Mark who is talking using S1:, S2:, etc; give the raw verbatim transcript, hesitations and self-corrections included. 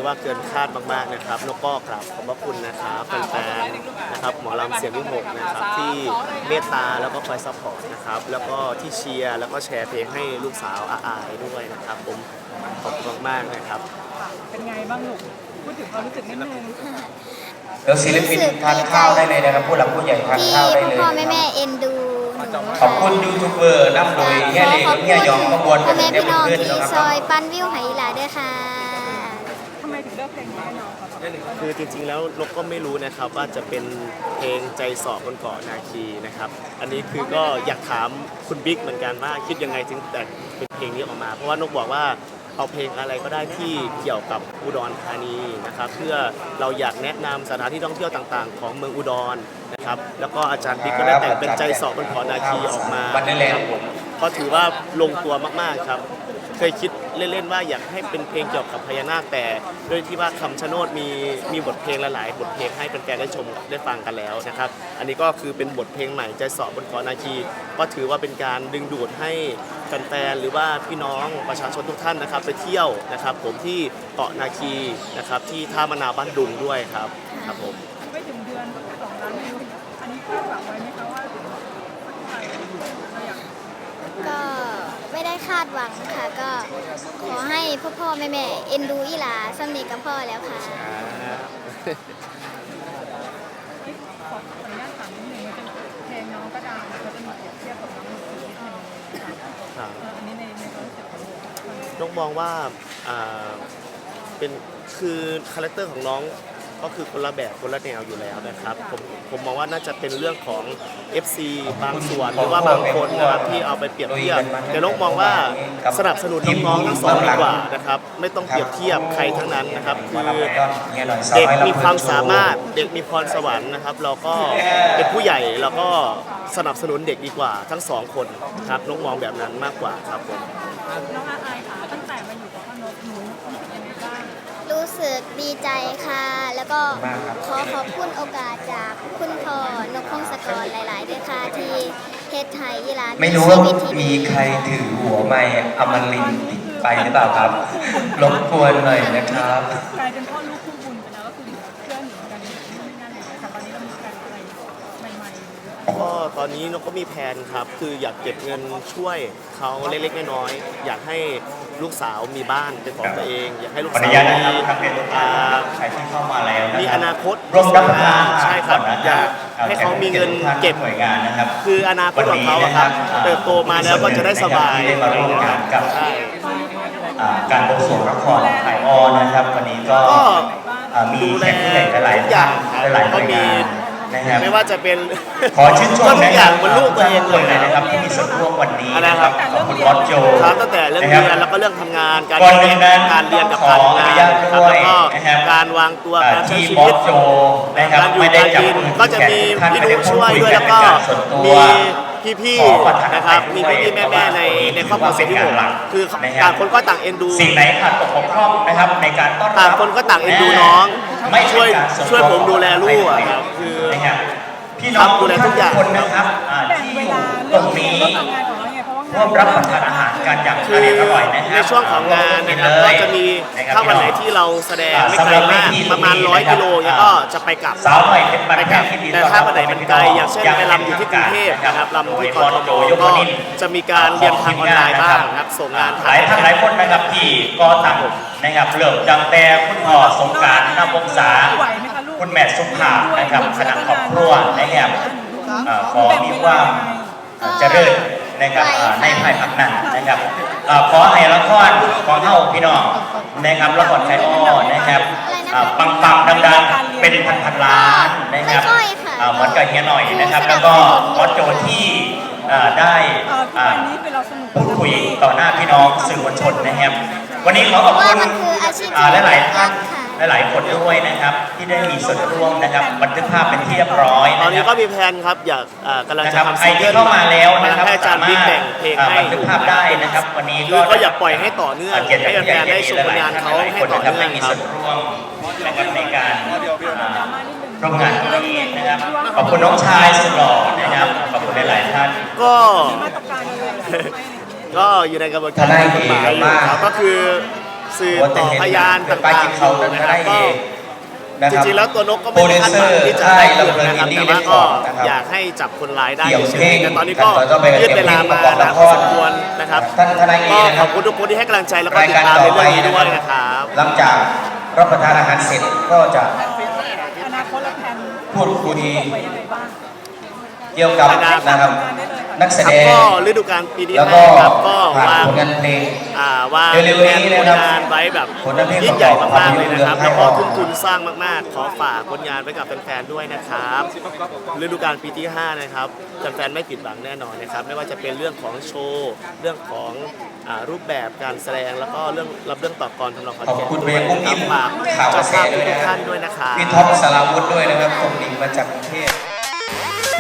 S1: ว่าเกินคาดมากๆนะครับแล้วก็กราบขอบพระคุณนะครับแฟนๆนะครับหมอลำเสียงวิหกนะครับที่เมตตาแล้วก็คอยซัพพอร์ตนะครับแล้วก็ที่เชียร์แล้วก็แชร์เพลงให้ลูกสาวอาอายด้วยนะครับผมขอบคุณมากๆนะครับ
S2: เป็นไงบ้างลูกพูดถึงความรู้สึกนิดนึง
S3: เดี๋ยวศิลปินทานข้าวได้เลยนะครับผู้หลักผู้ใหญ่ทานข้าวได้เลย
S4: พ่อแม่แม่เอ็นดู
S3: ขอบคุณยูทูบเบอร์นำโดยเฮียเล็กเฮียยองขบวน
S4: พ่อแม่พี่น้องที่
S3: ซ
S4: ซอยปั้นวิวไหหลาด้วยค่ะ
S2: ทำไมถึงเลือกเพลงนี้น้อง
S1: คือจริงๆแล้วนกก็ไม่รู้นะครับว่าจะเป็นเพลงใจสอบบนเกาะนาคีนะครับอันนี้คือก็อยากถามคุณบิ๊กเหมือนกันว่าคิดยังไงถึงแต่งเป็นเพลงนี้ออกมาเพราะว่านกบอกว่าเอาเพลงอะไรก็ได้ที่เกี่ยวกับอุดรธานีนะครับเพื่อเราอยากแนะนำสถานที่ท่องเที่ยวต่างๆของเมืองอุดรนะครับแล้วก็อาจารย์บิ๊กก็ได้แต่งเป็นใจสอบบนเกาะนาคีออกมาครับผมก็ถือว่าลงตัวมากๆครับเคยคิดเล่นๆว่าอยากให้เป็นเพลงเกี่ยวกับพญานาคแต่ด้วยที่ว่าคำชะโนดมีมีบทเพลงหลายๆบทเพลงให้แฟนๆได้ชมได้ฟังกันแล้วนะครับอันนี้ก็คือเป็นบทเพลงใหม่ใจสอบบนเกาะนาคีก็ถือว่าเป็นการดึงดูดให้แฟนๆหรือว่าพี่น้องประชาชนทุกท่านนะครับไปเที่ยวนะครับผมที่เกาะนาคีนะครับที่ท่ามะนาวบ้านดุงด้วยครับครับผม
S2: ไม่ถึงเดือนสองล้านวิวอันนี้คาดหวังไว้ไหมคะว่า
S4: ก็ไม่ได้คาดหวังค่ะก็ขอให้พ่อพ่อแม่แม่เอ็นดูอีหลาสำเนียกับพ่อแล้วค่ะ
S2: ขออนุญาตถามนิดนึงมันเป็นเพลงน้องก็ดังเขาจะมีเปรียบเทียบกับน้องมือถือนิดนึงอันนี้ในในความรู้สึกของ
S1: น้องมองว่าเป็นคือคาแรคเตอร์ของน้องก็คือคนละแบบคนละแนวอยู่แล้วนะครับผมผมมองว่าน่าจะเป็นเรื่องของ เอฟ ซี บางส่วนหรือว่าบางคนนะครับที่เอาไปเปรียบเทียบแต่น้องมองว่าสนับสนุนน้องๆทั้งสองดีกว่านะครับไม่ต้องเปรียบเทียบใครทั้งนั้นนะครับคือเด็กมีความสามารถเด็กมีพรสวรรค์นะครับเราก็เป็นผู้ใหญ่เราก็สนับสนุนเด็กดีกว่าทั้งสองคนครับน้องมองแบบนั้นมากกว่าครับผม
S2: น้องอาอายค่ะตั้งแต่มาอยู่กับพ่อนกหนูรู้สึกยังไงบ้าง
S4: รู้สึกดีใจค่ะแล้วก็ขอขอบคุณโอกาสจากคุณพ่อนกพงศกรหลายๆด้วยค่ะที่เฮ็ดไทยยีรา
S3: ไม่รู้ว่ามีใครถือหัวไม้อมรินทร์ติดไปหรือเปล่าครับรบกวนหน่อยนะครับ
S2: กลายเป็นพ่อลูกคู่บุญไปแล้วก็คือเพื่อนหนูกันไม่น่าเลยแต่ตอนนี้เรามีการอะไรใหม่ๆ
S1: ก็ตอนนี้นกก็มีแผนครับคืออยากเก็บเงินช่วยเขาเล็กๆน้อยๆอยากให้ลูกสาวมีบ้านเป็นของตัวเองอยากให้ลูกสาวมีมีอนาคต
S3: ร่วมรับประทาน
S1: ใช่ครับอยากให้เขามีเงินเก็บคืออนาคตของเขาครับเติบโตมาแล้วก็จะได้สบาย
S3: มาร่วมงานกับการบวงสรวงละครถ่ายออนนะครับวันนี้ก็มีแขกผู้ใหญ่หลายท่านหลายหน่วยงาน
S1: ไม่ว่าจะเป็น
S3: ขอชื่นชม
S1: ทุกอย่างบนลูกตัวเองเลย
S3: นะครับที่มีส่วนร่วมวันนี้นะครับขอบคุณบอสโจ
S1: ครับตั้งแต่เรื่องเรียนแล้วก็เรื่องทำงานการเรียนการเรียนกับการทำงานครับแล้วก็การวางตัวการใช้ชีวิตการอยู่การกินก็จะมีพี่นุ๊กช่วยด้วยแล้วก็มีพี่ๆนะครับมีพี่ๆแม่ๆในในครอบครัวเศรษฐีหกคือต่างคนก็ต่างเอ็นดู
S3: สิ่งไหนขาดตกบกพร่องนะครับในการต้อนรับ
S1: ต่างคนก็ต่างเอ็นดูน้องไม่ช่วยช่วยผมดูแลลูกอ่ะคือ
S3: พี่น้องดูแลทุกอย่างนะครับที่อยู่ตรงนี้ร่วมรับประทานอาหารกันอย่างอร่อยนะครับ
S1: ในช่วงของงานนะครับก็จะมีถ้าวันไหนที่เราแสดงไม่ไกลมากประมาณร้อยกิโลเนี่ยก็จะไปกลับ
S3: สาวหน่อยเป็น
S1: ไปกลับแต่ถ้าวันไหนมันไกลอย่างเช่นไปลำอยู่ที่กรุงเทพนะครับลำที่กทมก็จะมีการเรียนทางออนไลน์บ้างนะครับส่งงาน
S3: หลายท่านหลายคนนะครับที่ก็ต่างนะครับเริ่มจังแต่คุณพ่อสงการนวงศาคุณแม่สุภาพนะครับคณะครอบครัวนะครับขอมีความเจริญนะครับในภายภาคหน้านะครับขอให้ละครขอเท่าพี่น้องนะครับละครไทยอ้อนะครับปังปังดังๆเป็นพันพันล้านนะครับเหมือนกับเฮียหน่อยนะครับแล้วก็ขอโจทย์ที่ได้พูดคุยต่อหน้าพี่น้องสื่อมวลชนนะครับวันนี้ขอขอบคุณหลายๆท่านหลายๆคนด้วยนะครับที่ได้มีส่วนร่วมนะครับบันทึกภาพเป็นที่เรียบร้อย
S1: ตอนนี้ก็มีแผนครับอยากกำลังจะทำ
S3: ซิงเกิลเข้ามาแล้วนะครับ
S1: ให้อาจารย์บิ๊กแต่งเพลงให้
S3: บันทึกภาพได้นะครับวันนี้
S1: ก็อยากปล่อยให้ต่อเนื่องให้แฟนๆได้ชมผลงานเขาให้ต่อเนื่องครับ
S3: ในการร่วมงานนี้นะครับขอบคุณน้องชายสุดหล่อนะครับขอบคุณหลายๆท่าน
S1: ก็ก็อยู่ในกระบวนการกฎหมายอยู่ครับก็คือสื่อต่อพยานต่างๆอยู่นะครับก็จริงๆแล้วตัวนกก็ไม่ได้คาดหวังที่จะได้เรื่องนะครับแต่ว่าก็อยากให้จับคนร้ายได้เฉยๆแต่ตอนนี้ก็ยืดเวลามานานพอสมควรนะครับก็ขอบคุณทุกคนที่ให้กำลังใจแล้วก็ติดตามในเรื่องนี้ด้วยนะครับ
S3: หลังจากรับประทานอาหารเสร็จก็จะ
S2: อนาคตและแผน
S3: พูดคุย
S2: ไว้ยังไงบ้าง
S3: เกี่ยวกับนะครับนักแส
S1: ครับ
S3: ดง
S1: ก็ฤดูกาลปีที่
S3: แล้ว
S1: ห้า
S3: ก็
S1: ครับก็
S3: ผ่าน
S1: วาง
S3: ผลงานเพลง
S1: อ่าวาง
S3: เร็วๆนี้
S1: ผล
S3: นะครับ
S1: งานไว้แบบ
S3: ผลงานเพลง
S1: ยิ่งใหญ่
S3: ประกอบ
S1: มากๆเลยนะครับ
S3: ภาพยนตร์
S1: แล้วก็
S3: เรื่อง
S1: ทุ่มทุนสร้างมากๆ ขอฝากผลงานไว้กับแฟนๆด้วยนะครับฤดูกาลปีที่ห้านะครับแฟนๆไม่ผิดหวังแน่นอนนะครับไม่ว่าจะเป็นเรื่องของโชว์เรื่องของอ่ารูปแบบการแสดงแล้วก็เรื่องรับเรื่องต่อกรทำนองคอน
S3: ขอบ
S1: แก่น
S3: คุณ
S1: ด้
S3: เบ
S1: วย
S3: ย์กุ้ง
S1: นะค
S3: อิ
S1: รับ
S3: ม
S1: ฝาก
S3: ข่าวก
S1: เจ้า
S3: ระแส
S1: ภาพ
S3: ด้วย
S1: ทุ
S3: นะ
S1: ก
S3: ครั
S1: ท่า
S3: บ
S1: นด้วยนะครับ
S3: พี่ท็อปสราวุธด้วยนะครับตรงดิ่งมาจากกรุงเทพ